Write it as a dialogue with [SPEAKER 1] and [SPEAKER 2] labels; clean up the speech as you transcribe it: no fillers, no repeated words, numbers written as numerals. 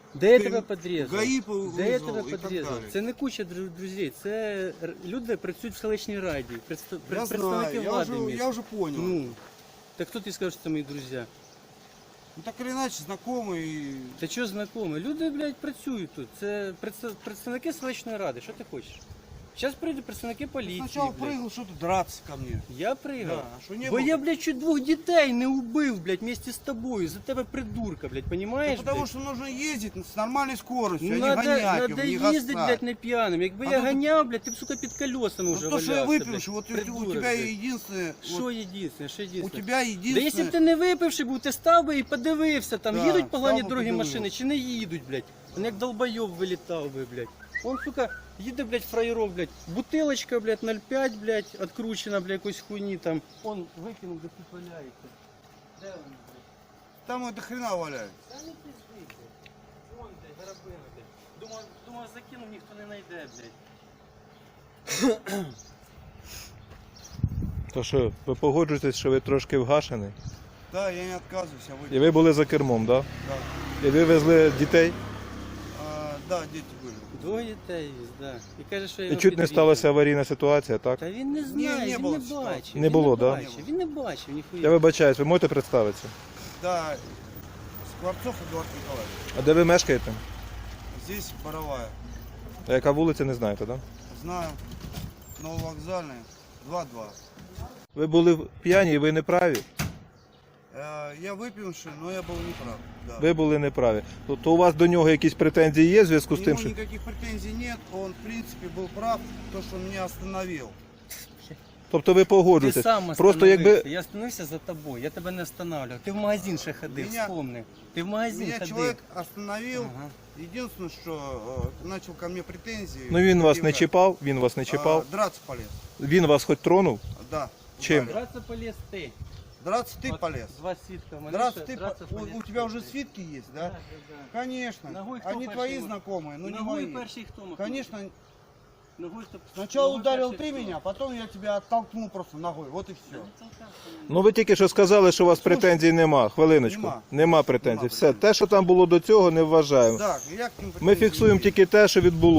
[SPEAKER 1] Де я тебе підрізав?
[SPEAKER 2] ГАИ
[SPEAKER 1] Де я
[SPEAKER 2] вызвал
[SPEAKER 1] тебе
[SPEAKER 2] и так
[SPEAKER 1] підрізав?
[SPEAKER 2] далее.
[SPEAKER 1] Це не куча друзей, це люди працюють в селищній раді,
[SPEAKER 2] Я
[SPEAKER 1] представники
[SPEAKER 2] знаю,
[SPEAKER 1] влади
[SPEAKER 2] я
[SPEAKER 1] міста.
[SPEAKER 2] уже понял.
[SPEAKER 1] Ну, так хто ти скажеш, що це мої друзі?
[SPEAKER 2] Ну, так или иначе, знакомый.
[SPEAKER 1] Та чого знайомі? Люди, блядь, працюють тут. Це представники селищної ради. Що ти хочеш? Зараз прийдуть представники поліції.
[SPEAKER 2] Сначала
[SPEAKER 1] блядь.
[SPEAKER 2] прыгал, что ты драться ко мне.
[SPEAKER 1] Я пригав.
[SPEAKER 2] Да, а що не
[SPEAKER 1] Бо
[SPEAKER 2] було?
[SPEAKER 1] я, блядь, чуть 2 дітей не убив, блядь, вместе з тобою. За тебе придурка, блядь,
[SPEAKER 2] Да
[SPEAKER 1] понімаєш?
[SPEAKER 2] потому
[SPEAKER 1] блядь?
[SPEAKER 2] что нужно ездить с нормальной скоростью,
[SPEAKER 1] Ну,
[SPEAKER 2] а не гонять,
[SPEAKER 1] надо
[SPEAKER 2] не
[SPEAKER 1] їздити, блядь,
[SPEAKER 2] гасать.
[SPEAKER 1] не п'яним. Якби
[SPEAKER 2] А
[SPEAKER 1] я
[SPEAKER 2] то ти-
[SPEAKER 1] ганяв, блядь, ти б, сука, під колесами вже
[SPEAKER 2] Ну, то, что я
[SPEAKER 1] валявся,
[SPEAKER 2] выпивший, вот
[SPEAKER 1] блядь.
[SPEAKER 2] у
[SPEAKER 1] Придурок,
[SPEAKER 2] тебя
[SPEAKER 1] блядь.
[SPEAKER 2] единственное...
[SPEAKER 1] Що
[SPEAKER 2] вот
[SPEAKER 1] єдине, що
[SPEAKER 2] у
[SPEAKER 1] єдине?
[SPEAKER 2] тебя
[SPEAKER 1] Да
[SPEAKER 2] единственное...
[SPEAKER 1] якщо б ти не випивши був, ти став би і подивився, там
[SPEAKER 2] Да,
[SPEAKER 1] їдуть погані
[SPEAKER 2] став би,
[SPEAKER 1] дорогі
[SPEAKER 2] подивився.
[SPEAKER 1] машини чи не їдуть, блядь. Він як долбойов вилітав би, блядь. Он, сука, їде, блядь, фраєров, блядь, бутилочка, блядь, 0,5, блядь, откручена, блядь, якоїсь хуйні там. Он викинув, де тут валяється. Де він, блядь?
[SPEAKER 2] Там это хрена валяется.
[SPEAKER 1] Та не пизди, блядь. Вон, блядь, гарабина, блядь. Думав, закинув, ніхто не знайде, блядь.
[SPEAKER 3] То що, ви погоджуєтесь, що ви трошки вгашений?
[SPEAKER 2] Да, я не отказываюсь, а
[SPEAKER 3] І
[SPEAKER 2] вы...
[SPEAKER 3] ви були за кермом, так?
[SPEAKER 2] Да.
[SPEAKER 3] І ви везли дітей?
[SPEAKER 2] Да, дети были.
[SPEAKER 1] 2 дітей віз, да. І каже, що я
[SPEAKER 3] І
[SPEAKER 1] його
[SPEAKER 3] чуть не
[SPEAKER 1] підрізав.
[SPEAKER 3] сталася аварійна ситуація, так?
[SPEAKER 1] Та він не знає,
[SPEAKER 2] не
[SPEAKER 1] він
[SPEAKER 2] було
[SPEAKER 1] не
[SPEAKER 2] ситуації.
[SPEAKER 1] бачив.
[SPEAKER 3] Не
[SPEAKER 1] він
[SPEAKER 3] було,
[SPEAKER 1] не
[SPEAKER 3] да?
[SPEAKER 1] бачив, він не бачив, ніхуя.
[SPEAKER 3] Я вибачаюсь, ви можете представитися?
[SPEAKER 2] Да, Скворцов Эдуард Николаевич.
[SPEAKER 3] А де ви мешкаєте?
[SPEAKER 2] Здесь Боровая.
[SPEAKER 3] А яка вулиця, не знаєте, так?
[SPEAKER 2] Знаю. Нововокзальная. 2-2.
[SPEAKER 3] Ви були п'яні і ви не праві?
[SPEAKER 2] Я выпивший, но я был неправ. Да.
[SPEAKER 3] Ви були неправі. То у вас до нього якісь претензії є в зв'язку з
[SPEAKER 2] К
[SPEAKER 3] тим,
[SPEAKER 2] нему
[SPEAKER 3] що...
[SPEAKER 2] никаких претензий нет. Он, в принципе, был прав, то, что он меня остановил.
[SPEAKER 3] Тобто ви
[SPEAKER 1] Ти
[SPEAKER 3] погоджуєтесь?
[SPEAKER 1] сам
[SPEAKER 3] Просто
[SPEAKER 1] остановився.
[SPEAKER 3] якби...
[SPEAKER 1] Я остановився за тобою, я тебе не останавливав. Ти в магазин ще ходив,
[SPEAKER 2] Меня-
[SPEAKER 1] вспомни. Ти в магазин
[SPEAKER 2] Меня
[SPEAKER 1] ходив.
[SPEAKER 2] человек остановил.
[SPEAKER 1] Ага.
[SPEAKER 2] Единственное, что начал ко мне претензии.
[SPEAKER 3] Ну він вас не
[SPEAKER 2] предъявлять.
[SPEAKER 3] чіпав, він вас не чіпав.
[SPEAKER 2] Драться полез.
[SPEAKER 3] Він вас хоч тронув?
[SPEAKER 2] Да.
[SPEAKER 3] Чем?
[SPEAKER 2] ударил.
[SPEAKER 1] Драться полез ти.
[SPEAKER 2] Драться ты
[SPEAKER 1] От
[SPEAKER 2] полез.
[SPEAKER 1] 2 свідка. в мене
[SPEAKER 2] Драться
[SPEAKER 1] ще,
[SPEAKER 2] ты
[SPEAKER 1] драться полез
[SPEAKER 2] у тебя
[SPEAKER 1] ти.
[SPEAKER 2] уже свитки есть, да?
[SPEAKER 1] Да, да.
[SPEAKER 2] Конечно.
[SPEAKER 1] Ногой кто
[SPEAKER 2] Они
[SPEAKER 1] перший
[SPEAKER 2] твои
[SPEAKER 1] мог?
[SPEAKER 2] знакомые, но не
[SPEAKER 1] Ногой
[SPEAKER 2] мои.
[SPEAKER 1] перший хто махнув?
[SPEAKER 2] Конечно,
[SPEAKER 1] Ногой хто...
[SPEAKER 2] сначала
[SPEAKER 1] Ногой
[SPEAKER 2] ударил
[SPEAKER 1] перший
[SPEAKER 2] ты
[SPEAKER 1] хто?
[SPEAKER 2] меня, потом я тебя оттолкнул просто ногой. Вот и
[SPEAKER 1] Та
[SPEAKER 2] все.
[SPEAKER 1] не толкався мене.
[SPEAKER 3] Ну ви тільки що сказали, що у вас претензій нема. Хвилиночку.
[SPEAKER 2] Нема.
[SPEAKER 3] Нема претензій.
[SPEAKER 2] Нема
[SPEAKER 3] Все,
[SPEAKER 2] претензій.
[SPEAKER 3] те, що там було до цього, не вважаємо.
[SPEAKER 2] Да, я к ним
[SPEAKER 3] Ми
[SPEAKER 2] претензий
[SPEAKER 3] фіксуємо
[SPEAKER 2] не имею.
[SPEAKER 3] тільки те, що відбулося.